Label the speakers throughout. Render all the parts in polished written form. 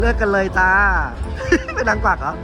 Speaker 1: เลิกกันเลยจ้า เป็นนางกวักเหรอ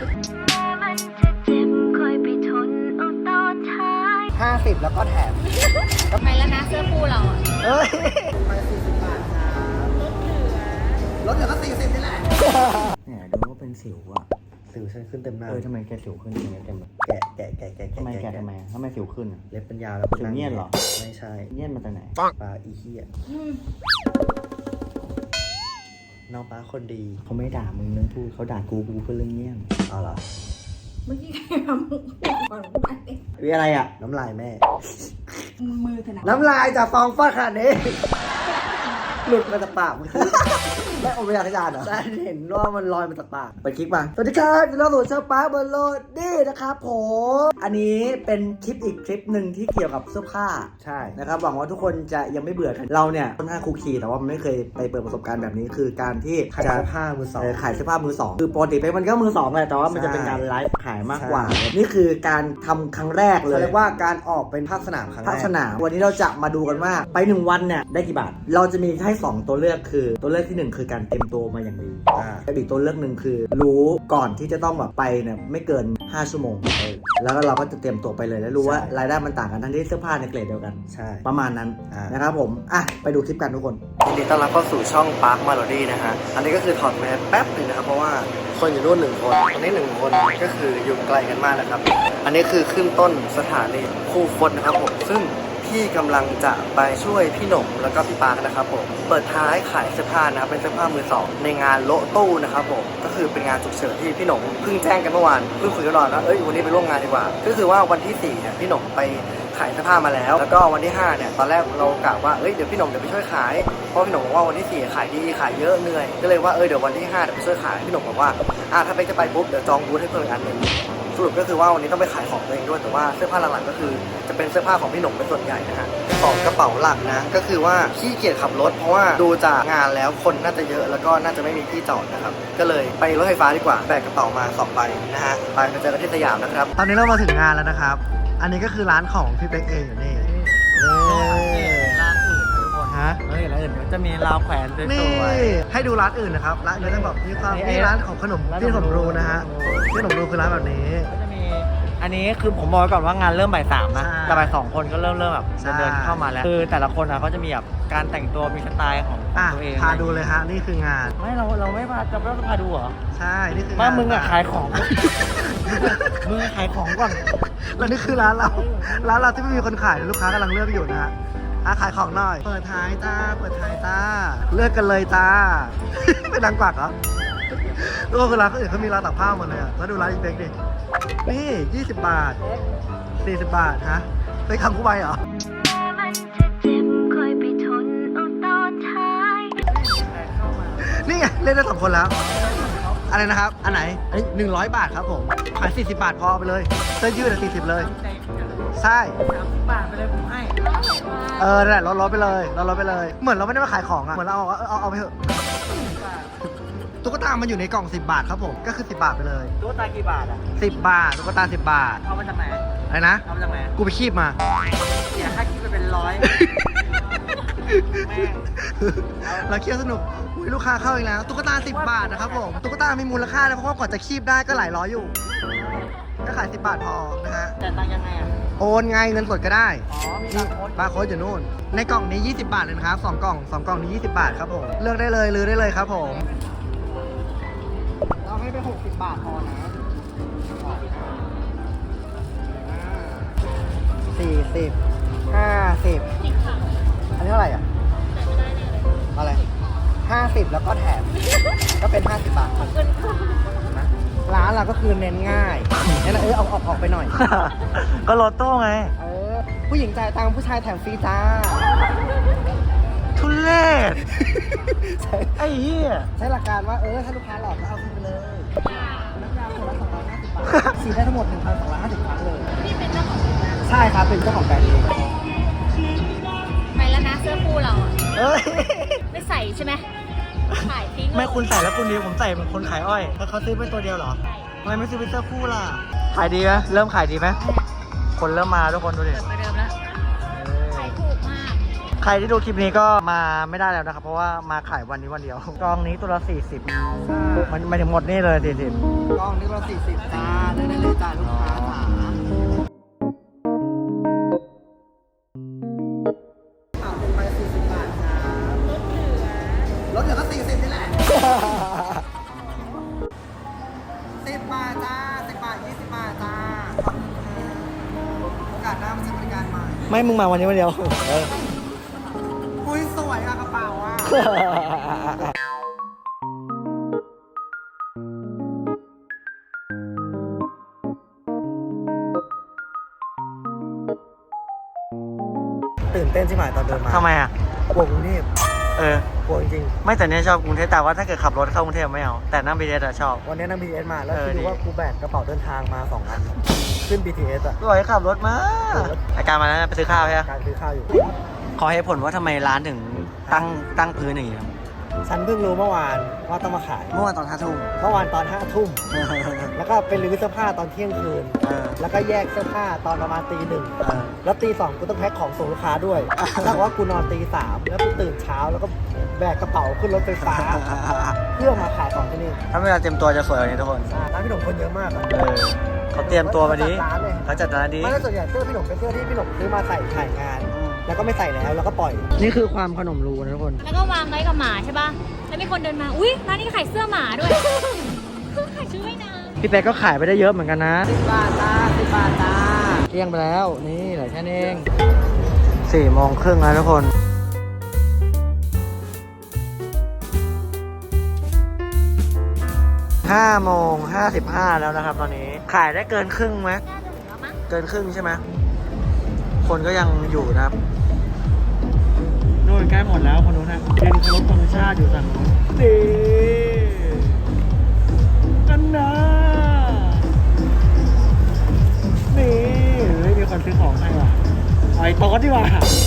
Speaker 1: 50แล้วก็แถม
Speaker 2: ไปแล้วนะเสื้อคู่เราอ่ะ
Speaker 1: เอ้ยไป40 บาทครับลดเหลือก็40นี่แหละเนี่ยดูว่าเป็นสิวอ่ะสิวฉันขึ้นเต็มหน้า
Speaker 3: ทำไมแกสิวขึ้นอย่างเงี้ยเต็มเลย
Speaker 1: แกะ
Speaker 3: ทำไมทำไมสิวขึ้นอ่ะ
Speaker 1: เล็บเป็นยาวแล้ว
Speaker 3: สิวเงียนเหรอ
Speaker 1: ไม่ใช่
Speaker 3: เงียนมาจากไหน
Speaker 1: ปลาอีเหี้ยน้องป้าคนดี
Speaker 3: เขาไม่ด่ามึงเรื่องพูดเขาด่ากูเพื่อเรื่องเงียบ
Speaker 1: เอาเหรอ
Speaker 2: เมื่อกี้ใครทำมุกก่อนพูดเอง
Speaker 1: วิอะไรอ่ะน้ำลายแม่
Speaker 2: มือถนัด
Speaker 1: น้ำลายจากฟองฟอดขนาดนี้ หลุดมาจากปากมันคือไม่อมยาขยานเหรอได้เห็นว่ามันลอยมาจากปากไปคลิกมาสวัสดีครับยินดีต้อนรับสู่ช่องป้าบอลโลดนี่นะครับผมอันนี้เป็นคลิปอีกคลิปหนึ่งที่เกี่ยวกับเสื้อผ้าใช่นะครับหวังว่าทุกคนจะยังไม่เบื่อกันเราเนี่ยค่อนข้างคุกคีแต่ว่ามันไม่เคยไปเปิดประสบการณ์แบบนี้คือการที่ขายเสื้อผ้ามือสองขายเสื้อผ้ามือสองคือปกติมันก็มือสองแหละแต่ว่ามันจะเป็นการไลฟ์ขายมากกว่านี่คือการทำครั้งแรกเลยเรียกว่าการออกเป็นภาคสนามครั้งแรกภาคสนามวันนี้เราจะมาดูกันว่าไป1วันเนี่ยได้กี่บาทเราจะมีให้2ตัวเลือกคือตัวเลือกที่1คือการเตรียมตัวมาอย่างดีอีกตัวเลือกหนึ่งคือรู้ก่อนที่จะต้องแบบไปเนี่ยไม่เกิน5ชั่วโมงแล้วก็เราก็จะเตรียมตัวไปเลยแล้วรู้ว่ารายได้มันต่างกันทั้งที่เสื้อผ้าในเกรดเดียวกันใช่ประมาณนั้นนะครับผมไปดูคลิปกันทุกคนยินดีต้อนรับเข้าสู่ช่อง Park Melody นะฮะอันนี้ก็คือถอดแมสแป๊บนึงนะครับเพราะว่าคนอยู่นู่น1คนคนนี้1คนก็คืออยู่ไกลกันมากนะครับอันนี้คือขึ้นต้นสถานีคู่คนนะครับผมซึ่งพี่กำลังจะไปช่วยพี่หนุ่มแล้วก็พี่ปาร์คนะครับผมเปิดท้ายขายเสื้อผ้านะครับเป็นเสื้อผ้ามือสองในงานโละตู้นะครับผมก็คือเป็นงานฉุกเฉินที่พี่หนุ่มเพิ่งแจ้งกันเมื่อวานเพิ่งคุยกันหน่อยว่าวันนี้ไปร่วมงานดีกว่าก็คือว่าวันที่4เนี่ยพี่หนุ่มไปขายเสื้อผ้ามาแล้วก็วันที่5เนี่ยตอนแรกเรากะว่าเดี๋ยวพี่หนุ่มเดี๋ยวไปช่วยขายเพราะพี่หนุ่มบอกว่าวันที่4ขายดีขายเยอะเหนื่อยก็เลยว่าเดี๋ยววันที่5เดี๋ยวไปช่วยขายพี่หนุ่มบอกว่าถ้าไปจะไปปุ๊บเดี๋ยวจองบูธให้เพิ่มอีกอันนึงสรุปก็คือว่าวันนี้ต้องไปขายของตัวเองด้วยแต่ว่าเสื้อผ้าหลักๆก็คือจะเป็นเสื้อผ้าของพี่หนุ่มเป็นส่วนใหญ่นะฮะของกระเป๋าหลักนะก็คือว่าขี้เกียจขับรถเพราะว่าดูจากงานแล้วคนน่าจะเยอะแล้วก็น่าจะไม่มีที่จอดนะครับก็เลยไปรถไฟฟ้าดีกว่าแบกกระเป๋ามา2ใบนะฮะไปเจอกันที่สยามนะครับตอนนี้เรามาถึงงานแล้วนะครับอันนี้ก็คือร้านของพี่เป๊กเองอยู่นี่
Speaker 3: ร้านอื่นทุกคน
Speaker 1: ฮะ
Speaker 3: ร้านอื่นจะมีราวแขวนส
Speaker 1: นี่
Speaker 3: วย
Speaker 1: ให้ดูร้านอื่นนะครับร้านอื่นต้องแบบมีความ
Speaker 3: นี่
Speaker 1: นี่ร้านของขนม
Speaker 3: ร้าน
Speaker 1: ที่ขนมรูนะฮะ
Speaker 3: ขนมรู
Speaker 1: ที่ขนมรูคือร้านแบบนี้
Speaker 3: ก็จะมีอันนี้คือผมบอกไว้ก่อนว่างานเริ่มบ่าย 3นะ
Speaker 1: ใช่
Speaker 3: แต่บ่าย 2คนก็เริ่มแบบ
Speaker 1: ใช่
Speaker 3: เดินเข้ามาแล้วคือแต่ละคนเขาจะมีแบบการแต่งตัวมีสไตล์ของตัวเอง
Speaker 1: พาดูเลยฮะนี่คืองาน
Speaker 3: ไม่เราไม่พาจะไม่พาดูเหรอ
Speaker 1: ใช่นี่คือ
Speaker 3: ว่ามึงอะขายของ มึงขายของก่อน
Speaker 1: แล้วนี่คือร้านเราที่ไม่มีคนขายลูกค้ากำลังเลือกอยู่นะฮะขายของหน่อยเปิดท้ายจ้าเลือกกันเลยจ้า เป็นนางกวักเหรอทุกคนคือร้านอื่นเขามีร้านตักผ้าหมดเลยอะแล้วดูร้านอีเบกดินี่20 บาท40 บาทฮะไปคำคู่ใบเหรอนี่ไงเล่นได้2 คนแล้วอะไรนะครับอันไหนอันนี้100 บาทครับผมขาย40 บาทพอไปเลยเสื้อยืด40เลยใช่
Speaker 3: 30 บาทไปเลยผมให้
Speaker 1: นั่นแหละลดไปเลยเหมือนเราไม่ได้มาขายของอะเหมือนเราเอาไปเถอะตุ๊กตามันอยู่ในกล่อง10 บาทครับผมก็คือ10 บาทไปเลย
Speaker 3: ตัวตากี่บาทอ่ะ
Speaker 1: 10 บาทตุ๊กตา10 บาท
Speaker 3: เอามาจากไหน
Speaker 1: อะไรนะ
Speaker 3: เอามาจากไหน
Speaker 1: กูไปคีบมา
Speaker 3: เสียค่าคิดไปเป็น100 แม่ง
Speaker 1: เราเคี่ยวสนุกอุ๊ยลูกค้าเข้าอีกแล้วตุ๊กตา10 บาทนะครับผมตุ๊กตามีมูลค่านะเพราะว่ากว่าจะคีบได้ก็หลายร้อยอยู่ก็ขาย10 บาทพอนะฮะ
Speaker 3: แต่ตังค์ยังไงอ่ะ
Speaker 1: โอนไงเงินสดก็ได้
Speaker 3: อ๋อมี
Speaker 1: นี่
Speaker 3: บาร์โค้ด
Speaker 1: บาร์โค้ดอยู่นู่นในกล่องนี้20 บาทเลยนะครับ2 กล่องนี้20 บาทครับผมเลือกได้เลยลือได้เลยครับผม
Speaker 3: เราให้ไป60 บาทพอนะ
Speaker 1: 40 50อันนี้เท่าไหร่อ่ะอะไร50แล้วก็แถมก็เป็น50 บาทนะร้านเราก็คือเน้นง่ายงั้นเอาออกไปหน่อย
Speaker 3: ก็โลโต้ไง
Speaker 1: ผู้หญิงจ่ายตังค์ผู้ชายแถมฟรีจ้า
Speaker 3: ทุเรศ
Speaker 1: ใช่
Speaker 3: ไอ้เหี้ย
Speaker 1: ใช้หลักการว่าถ้าลูกค้าหลอกก็เอาคืนไปเลยน้ำยาคนละ250 บาทสีได้ทั้งหมด 1,250 ครั้งเลย
Speaker 2: พี่เป็นเจ้าของ
Speaker 1: ใช่ครับเป็นเจ้าของแบรนด์เอง
Speaker 2: ไปแล้วนะเสื้อคู่เราอ่ะ
Speaker 1: เอ้ย
Speaker 2: ไม่ใส่ใช่ไหมขายทิ้ง
Speaker 1: ไม่คุณใส่แล้วคุณดีผมใส่เป็นคนขายอ้อยแล้วเขาซื้อเป็นตัวเดียวเหรอทำไมไม่ซื้อเป็นเสื้อคู่ล่ะขายดีไหมเริ่มขายดีไหมคนเริ่มมาทุกคนดูดิ
Speaker 2: เปิดประเดิมแล้วขายถูกมาก
Speaker 1: ข
Speaker 3: รที่ดูคลิปนี้ก็มาไม่ได้แล้วนะครับ เพราะว่ามาขายวันนี้วันเดียว กองนี้ตัวละ40มันไม่ถึงหมดนี่เลย40
Speaker 1: กล้องนี้เรา40จ้าได้เลยจ้าลูกค้าจ๋าเอาลงไป40 บาทครับลดเหลือก็40นี่แหละ10 บาทจ้า10 บาท20 บาทจ้าขอบคุณค่ะโอกาสหน้ามาใช้บริการใหม่
Speaker 3: ไม่มึงมาวันนี้วันเดียว
Speaker 1: อุ้ยสวยอะกระเป๋าอะตื่นเต้นใช่ไหมตอนเดินมา
Speaker 3: ทำไมอ่ะ
Speaker 1: กลัวกรุงเทพ กลัวจริง
Speaker 3: ไม่แต่เนี่ยชอบกรุงเทพแต่ว่าถ้าเกิดขับรถเข้ากรุงเทพไม่เอาแต่นั่ง BTS อะชอบ
Speaker 1: ๆวันนี้นั่ง BTS มาแล้ว
Speaker 3: เออ
Speaker 1: คิดดู
Speaker 3: ดี
Speaker 1: ว่ากูแบกกระเป๋าเดินทางมา2 อัน ขึ้น BTS อะ
Speaker 3: สวยขับรถมาอาการมาแล้วไปซื้อข้าวใช่ไหม
Speaker 1: การซื้อข้าวอยู่
Speaker 3: ขอให้ผลว่าทำไมร้านถึงตั้งพื้นอย่างนี้ครับ
Speaker 1: ฉันเพิ่งรู้เมื่อวานว่าต้องมาขาย
Speaker 3: เมื่อวานตอน5 ทุ่ม
Speaker 1: เมื่อวานตอน5 ทุ่ม แล้วก็ไปรื้อเสื้อผ้าตอนเที่ยงคืน แล้วก็แยกเสื้อผ้าตอนประมาณตี 1 แล้วตี 2กูต้องแพ็คของส่งลูกค้าด้วยถ้าว่ากูนอนตี 3 แล้วกูตื่นเช้าแล้วก็แบกกระเป๋าขึ้นรถไฟฟ้า เพื่อมาขายของที่นี่
Speaker 3: ถ้าเวลาเต็มตัวจะสวยกว่านี้ทุกคน
Speaker 1: ร้านพี่หนุ่มคนเยอะมากอะ
Speaker 3: เขาเตรียมตัวมาดี
Speaker 1: เขาจัดร้านเลย
Speaker 3: เขาจัดร้านดี
Speaker 1: ไม่ได้ส่วนใหญ่เสื้อพี่หนุ่มเป็นเสื้อที่พี่หนุ่มซื้อมาใส่ถ่ายงาน แล้วก็ไม่ใส่แล้วก็ปล่อย
Speaker 3: นี่คือความขนมรูนะทุกคน
Speaker 2: แล้วก็วางไว้กับหมาใช่ป่ะ แล้วมีคนเดินมา อุ๊ย ร้านนี้ขายเสื้อหมาด้วย ขายชุดว่ายน้
Speaker 3: พี่เป๊กก็ขายไปได้เยอะเหมือนกันนะ
Speaker 1: 10 บาทจ้า10 บาทจ้า
Speaker 3: เที่ยงไปแล้วนี่เหลือแค่นี้เอง4 โมงครึ่งแล้วทุกคน5 โมง 55แล้วนะครับตอนนี้ขายได้เกินครึ่งไหม
Speaker 2: ำน่าจะถึงแล้วมั้ง
Speaker 3: เกินครึ่งใช่ไหมคนก็ยังอยู่นะครับนู่นใกล้หมดแล้วคนนู้นนะยืนเคารพธงชาติอยู่ฝั่งนู้นนี่กันนะนี่เฮ้ยมีคนซื้อของให้ว่ะเอาไอ้โต๊ะดีกว่า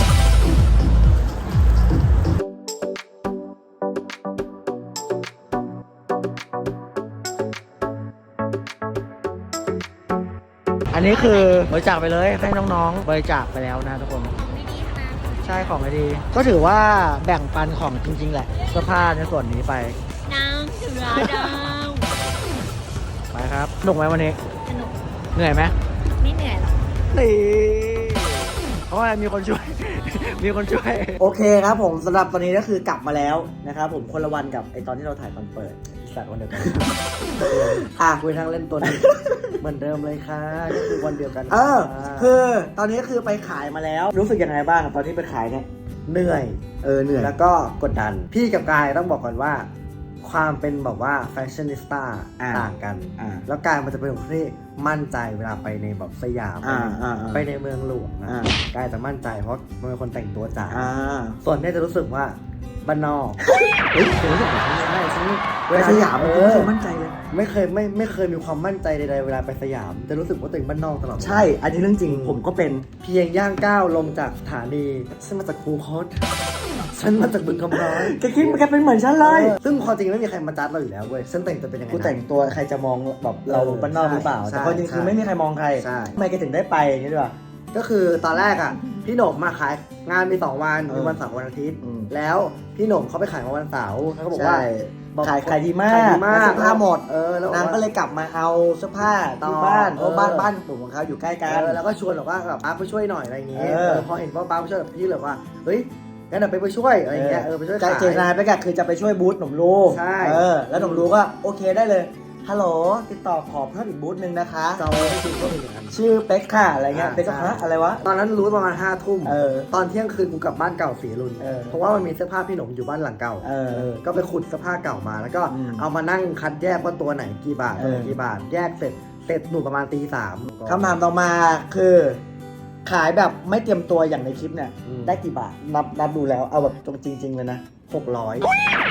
Speaker 3: อันนี้คือบริจาคไปเลยให้น้องๆบริจาคไปแล้วนะทุกคน
Speaker 2: ของดีๆทั้งนั้น
Speaker 3: ใช่ของไม่ดี ก็ถือว่าแบ่งปันของจริงๆแหละเสื้อผ้าในส่วนนี้ไป
Speaker 2: น้ำเสือดาว
Speaker 3: ไปครับสนุกไหมวันนี้
Speaker 2: สนุก
Speaker 3: เหนื่อยไหม
Speaker 2: ไม่เหนื่อยหรอก
Speaker 3: นี่เพราะว่ามีคนช่วย มีคนช่วย
Speaker 1: โอเคครับผมสำหรับตอนนี้ก็คือกลับมาแล้วนะครับผมคนละวันกับไอตอนที่เราถ่ายตอนเปิดสัตว์วันเดียวกัน คุยทางเล่นตัวนี้ เหมือนเดิมเลยค่ะก็คือวันเดียวกันคือตอนนี้คือไปขายมาแล้ว รู้สึกยังไงบ้างตอนที่ไปขายเนี่ยเหนื่อยเหนื่อยแล้วก็กดดัน พี่กับกายต้องบอกก่อนว่า ความเป็นแบบว่าแฟชั่นนิสต้าต่างกันแล้วกายมันจะเป็นคนที่มั่นใจเวลาไปในแบบสยามไปในเมืองหลวงนะกายจะมั่นใจเพราะมันเป็นคนแต่งตัวจ๋าส่วนเนี่ยจะรู้สึกว่าบ้านนอกเฮ้ยรู้สึกแบบนี้ได้ฉันเวลาสยามมันรู้สึกมั่นใจเลยไม่เคยมีความมั่นใจใดๆเวลาไปสยามจะรู้สึกว่าตัวเองบ้านนอกตลอดใช่อันนี้เรื่องจริงผมก็เป็นเพียงย่างก้าวลงจากสถานีฉันมาจากคูคตฉันมาจากบึงคำร้อยแกคิดแกเป็นเหมือนฉันเลยซึ่งความจริงไม่มีใครมาจัดเราอยู่แล้วเว้ยฉันแต่งตัวเป็นยังไง
Speaker 3: กูแต่งตัวใครจะมองแบบเราบ้านนอกหรือเปล่า แต่ความจริงคือไม่มีใครมองใครทำไมแกถึงได้ไปอย่างนี้ด้วย ก็คือตอนแรกอ่ะพี่หนุ่มมาขายงานมี2 วันมีวันเสาร์วันอาทิตย์แล้วพี่หนุ่มเขาไปขายมาวันเสาร์เขาก็บอกว่าขายดีมากเสื้อผ้าหมดแล้วนางก็เลยกลับมาเอาเสื้อผ้าที่บ้านเพราะบ้านผมของเขาอยู่ใกล้กันแล้วก็ชวนบอกว่าแบบป้าไปช่วยหน่อยอะไรอย่างเงี้ยพอเห็นว่าป้าไปช่วยพี่เลยว่าเฮ้ยงั้นเดี๋ยวไปช่วยอะไรอย่างเงี้ยไปช่วยขายเจตนาไปกันคือจะไปช่วยบูธหนุ่มลูกใช่แล้วหนุ่มลูกก็โอเคได้เลยฮัลโหลติดต่อขอเพิ่มอีกบูธนึงนะคะจะเอาให้คุณเพิ่มอีกอย่างนั้นชื่อเป็กค่ะอะไรเงี้ยเป็กก็ฮะอะไรวะตอนนั้นรู้ประมาณ5 ทุ่มตอนเที่ยงคืนกูกลับบ้านเก่าศรีรุนเพราะว่ามันมีเสื้อผ้าพี่หนุ่มอยู่บ้านหลังเก่าก็ไปขุดเสื้อผ้าเก่ามาแล้วก็เอามานั่งคัดแยกว่าตัวไหนกี่บาทกี่บาทแยกเสร็จหนูประมาณตี 3คำถามต่อมาคือขายแบบไม่เตรียมตัวอย่างในคลิปเนี่ยได้กี่บาทนับดูแล้วเอาแบบตรงจริงๆเลยนะ600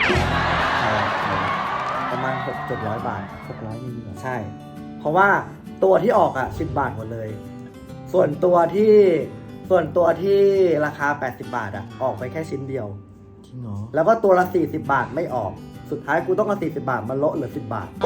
Speaker 3: ประมาณ600-700 บาท600นี่ใช่ เพราะว่าตัวที่ออกอ่ะ10 บาทหมดเลยส่วนตัวที่ราคา80 บาทอ่ะออกไปแค่ชิ้นเดียวจริงเหรอแล้วก็ตัวละ40 บาทไม่ออกสุดท้ายกูต้องเอา40 บาทมาลดเหลือ10 บาท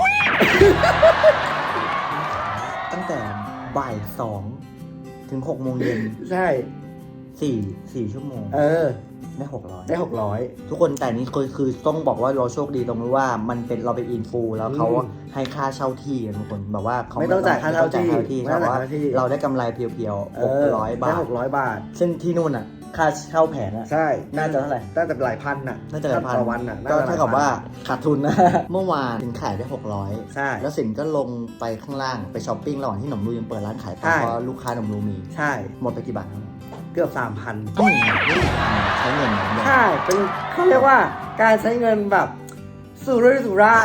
Speaker 3: ตั้งแต่บ่าย2 ถึง 6 โมงเย็นใช่4 ชั่วโมงได้600ทุกคนแต่นี้คือต้องบอกว่าเราโชคดีตรงที่ว่ามันเป็นเราเป็นอินฟูแล้วเขาให้ค่าเช่าที่กันทุกคนแบบว่าเขา
Speaker 1: ไม่ต้องจ่ายค่าเช่าที่
Speaker 3: แต่ว่าเราได้กำไรเพียวๆ600 บาท
Speaker 1: ได้600 บาท
Speaker 3: ซึ่งที่นู่นอ่ะค่าเช่าแผงอ่ะ
Speaker 1: ใช่
Speaker 3: น่าจะเท่าไหร่
Speaker 1: น่าจะหลายพันน่ะ
Speaker 3: น่าจะหลายพัน
Speaker 1: ต่อวันน่ะ
Speaker 3: ก็เท่ากับว่าขาดทุนนะ เมื่อวานสินขายได้600
Speaker 1: ใช่
Speaker 3: แล้วสินก็ลงไปข้างล่างไปช้อปปิ้งระหว่างที่หนมรูยังเปิดร้านขายป
Speaker 1: ใช่
Speaker 3: ลาเพราะลูกค้าหนมรูมี
Speaker 1: ใช่
Speaker 3: หมดไปกี่บาทครับ
Speaker 1: เกือบ 3,000
Speaker 3: ไม่ใช้เงินอย่างเดียว
Speaker 1: ใช่เป็นเขาเรียกว่าการใช้เงินแบบสุรุ่ยสุร่าย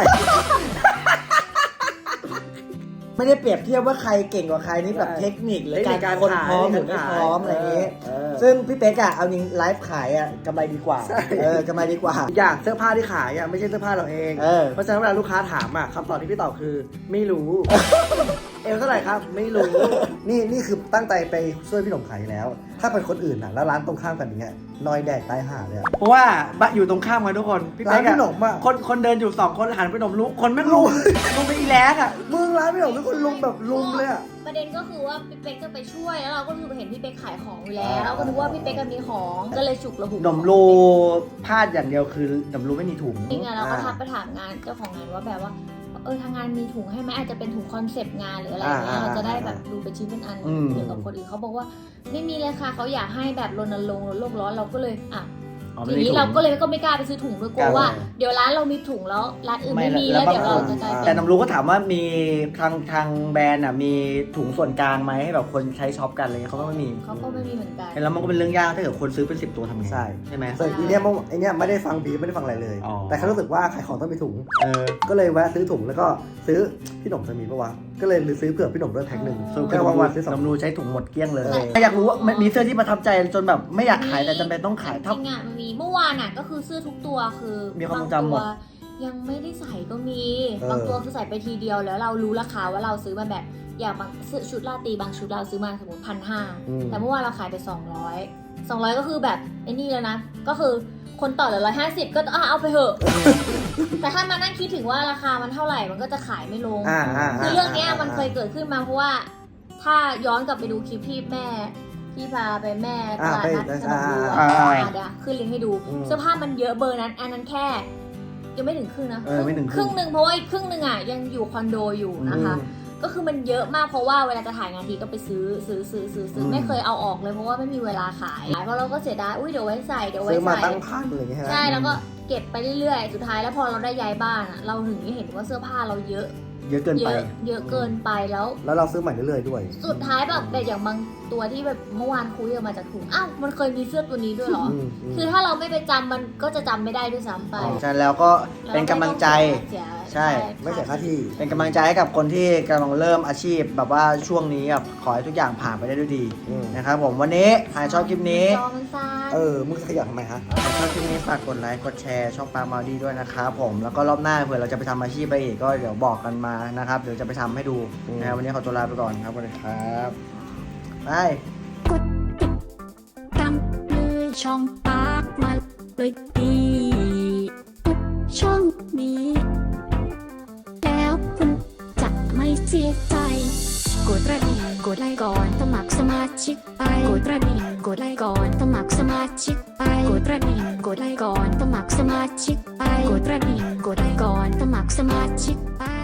Speaker 3: ไม่ได้เปรียบเทียบว่าใครเก่งกว่าใครนี่แบบเทคนิคหรือการคนพร้อมหรือไม่พร้อมอะไรอย่างนี้ ซึ่งพี่เป๊กอะเอาจริงไลฟ์ขายอะกำไรดีกว่า
Speaker 1: ใช่
Speaker 3: กำไรดีกว่า
Speaker 1: อย่างเสื้อผ้าที่ขายอ่ะไม่ใช่เสื้อผ้าเราเอง เพราะฉะนั้นเวลาลูกค้าถามอ่ะคำตอบที่พี่ตอบคือไม่รู้ เอวเท่าไหร่ครับไม่รู้ นี่คือตั้งใจไปช่วยพี่หนุ่มขายแล้ว ถ้าเป็นคนอื่นอ่ะแล้วร้านตรงข้ามกันอย่างเงี้ยนอยแดกตายห่าเลยอะเพราะว่าอยู่ตรงข้ามกันทุกคนพี่เป๊กพี่หนุ่มอ่ะคนเดินอยู่2 คนหันไปหนุ่มลุกคนไม่ลุกลุงไปอีแลกอ่ะมึงร้านพี่หนุ่มเป็นคนลุงแบบลุงเลยอ่ะ
Speaker 2: ประเด็นก็คือว่าพี่เป๊กจะไปช่วยแล้วเราก็คือเห็นพี่เป๊กขายของอยู่แล้วก็นึกว่าพี่เป๊กก็มีของก็เลยฉุกระหุก
Speaker 1: หนุ่มรูพลาดอย่างเดียวคือหนุ่มรูไม่มีถุง
Speaker 2: จริงๆเราก็ทักไปถามงานเจ้าของงานว่าแบบว่าทางงานมีถุงให้ไหมอาจจะเป็นถุงคอนเซปต์งานหรืออะไรอย่างเงี้ยเราจะได้แบบดูเป็นชิ้นเป็นอันเกี่ยวกับคนอื่นเขาบอกว่าไม่มีเลยค่ะเขาอยากให้แบบรณรงค์ลดโลกร้อนเราก็เลยทีนี้เราก็เลยก็ไม่กล้าไปซื้อถุงด้วยกลัวว่าเดี๋ยวร้านเรามีถุงแล้วร้านอื่นไม่มีแล้วเดี๋ยวเราจะกลายเป็น
Speaker 3: แต่น้ำรู้ก็ถามว่ามีทางแบรนด์อ่ะมีถุงส่วนกลางไหมให้แบบคนใช้ช็อปกันอะไรเงี้ยเขาก็ไม่มี
Speaker 2: เขาก็ไม่มีเหมือนกัน
Speaker 3: แล้วมันก็เป็นเรื่องยากถ้าเกิดคนซื้อเป็น10 ตัวทำไงใช่ไหม
Speaker 1: ส่วนไอเนี้ยไม่ได้ฟังบีไม่ได้ฟังอะไรเลย แต่เขารู้สึกว่าขายของต้องมีถุง ก็เลยแวะซื้อถุงแล้วก็ซื้อพี่หนุ่มจะมีปะวะก็เลยซื้อเผื่อพี่หนุ่มด้วยแพ็คหนึ่ง
Speaker 3: แค่วันซื้อน้ำรูใช้ถุงหมดเกลี้ยงเลยอยากรู้ว่ามีเสื้อที่ประทับใจจนแบบไม่อยากขายแต่จำเป็นต้องขาย
Speaker 2: จริงอ่ะมันมีเมื่อวานอ่ะก็คือเสื้อทุกตัวคือ
Speaker 3: มีความทรงจำหมด
Speaker 2: ยังไม่ได้ใส่ก็มีบางตัวคือใส่ไปทีเดียวแล้วเรารู้ราคาว่าเราซื้อมาแบบอย่างบางชุดราตรีบางชุดเราซื้อมาสมมติ1,500แต่เมื่อวานเราขายไป200ก็คือแบบไอ้นี่แล้วนะก็คือคนต่อเหลือ150ก็เอาไปเถอะ แต่ถ้ามานั่งคิดถึงว่าราคามันเท่าไหร่มันก็จะขายไม่ลงคือเรื่องนี้มันเคยเกิดขึ้นมาเพราะว่าถ้าย้อนกลับไปดูคลิปที่แม่ที่พาไปแม่ตลาดนัดสนุกดูเดี๋ยวขึ้นลิงก์ให้ดูเสื้อผ้ามันเยอะเบอร์นั้นอันนั้นแค่ยังไม่ถึงครึ่งนะครึ่งหนึ่งเพราะว่าอีกครึ่งหนึ่งอ่ะยังอยู่คอนโดอยู่นะคะก็คือมันเยอะมากเพราะว่าเวลาจะถ่ายงานทีก็ไปซื้อไม่เคยเอาออกเลยเพราะว่าไม่มีเวลาขายเพราะเราก็เสียดายเดี๋ยวไว้ใส่
Speaker 1: ซื้อมาตั้งพันอะไรอย่างเงี้ย
Speaker 2: ใช่แล้วก็เก็บไปเรื่อยๆสุดท้ายแล้วพอเราได้ย้ายบ้านอ่ะเราถึงได้เห็นว่าเสื้อผ้าเราเยอะ
Speaker 3: เกินไป
Speaker 2: เยอะเกินไปแล้ว
Speaker 1: เราซื้อใหม่เรื่อยๆด้วย
Speaker 2: สุดท้ายแบบอย่างบางตัวที่แบบเมื่อวานคุยออกมาจากถุงมันเคยมีเสื้อตัวนี้ด้วยเหรอคือถ้าเราไม่ไปจำมันก็จะจำไม่ได้ด้วยซ้ำไป
Speaker 3: ใช่แล้วก็เป็นกำลังใจใช่
Speaker 1: ไม่เสียค่าที่
Speaker 3: เป็นกำลังใจให้กับคนที่กำลังเริ่มอาชีพแบบว่าช่วงนี้แบบขอให้ทุกอย่างผ่านไปได้ด้วยดีนะครับผมวันนี้ใครชอบคลิปนี้
Speaker 1: มึงขยับทำไมฮะ
Speaker 3: ชอบคลิปนี้ฝากกดไลค์กดแชร์ช่องปาล์มมาดีด้วยนะครับผมแล้วก็รอบหน้าเผื่อเราจะไปทำอาชีพไปอีกก็เดี๋ยวบอกกันมานะครับเดี๋ยวจะไปทำให้ดูนะครับวันนี้ขอตัวลาไปก่อนครับสวัสดีครับไป
Speaker 4: กดติดตามเลยช่องปากมาเลยดีทุกช่องนี้แล้วคุณจะไม่เสียใจกดกระดิ่งกดไลค์ก่อนสมัครสมาชิกไปกดกระดิ่งกดไลค์ก่อนสมัครสมาชิกไปกดกระดิ่งกดไลค์ก่อนสมัครสมาชิกไปกดกระดิ่งกดไลค์ก่อนสมัครสมาชิกไป